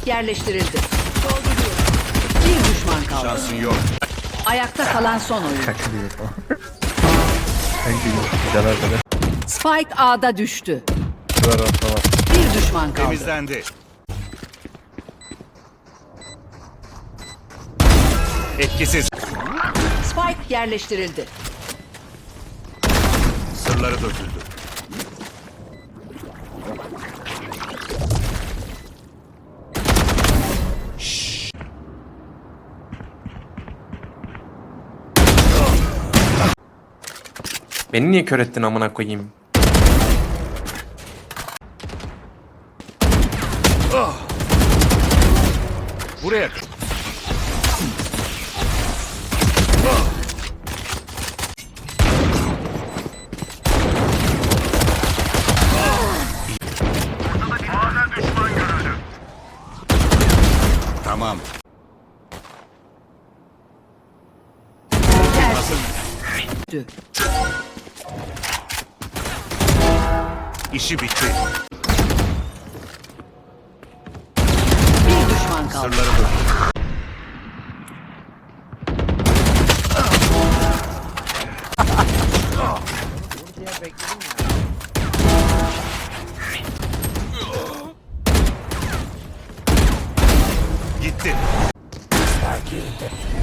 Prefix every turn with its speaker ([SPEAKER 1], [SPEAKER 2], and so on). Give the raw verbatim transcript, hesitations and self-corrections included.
[SPEAKER 1] yerleştirildi. Bir düşman kaldı.
[SPEAKER 2] Şansın yok.
[SPEAKER 1] Ayakta kalan son oyun.
[SPEAKER 3] Kaçırıyor falan. Thank you. Güzel arkadaş.
[SPEAKER 1] Spike A'da düştü.
[SPEAKER 3] Var orta var.
[SPEAKER 1] Bir düşman kaldı.
[SPEAKER 2] Temizlendi. Etkisiz.
[SPEAKER 1] Spike yerleştirildi.
[SPEAKER 2] Sırları döküldü.
[SPEAKER 4] Beni niye kör ettin amına koyayım?
[SPEAKER 2] Buraya. Tamam.
[SPEAKER 1] Düştü.
[SPEAKER 2] İşi bitti.
[SPEAKER 1] Bir düşman kaldı.
[SPEAKER 2] Sırları döküldü. Gitti.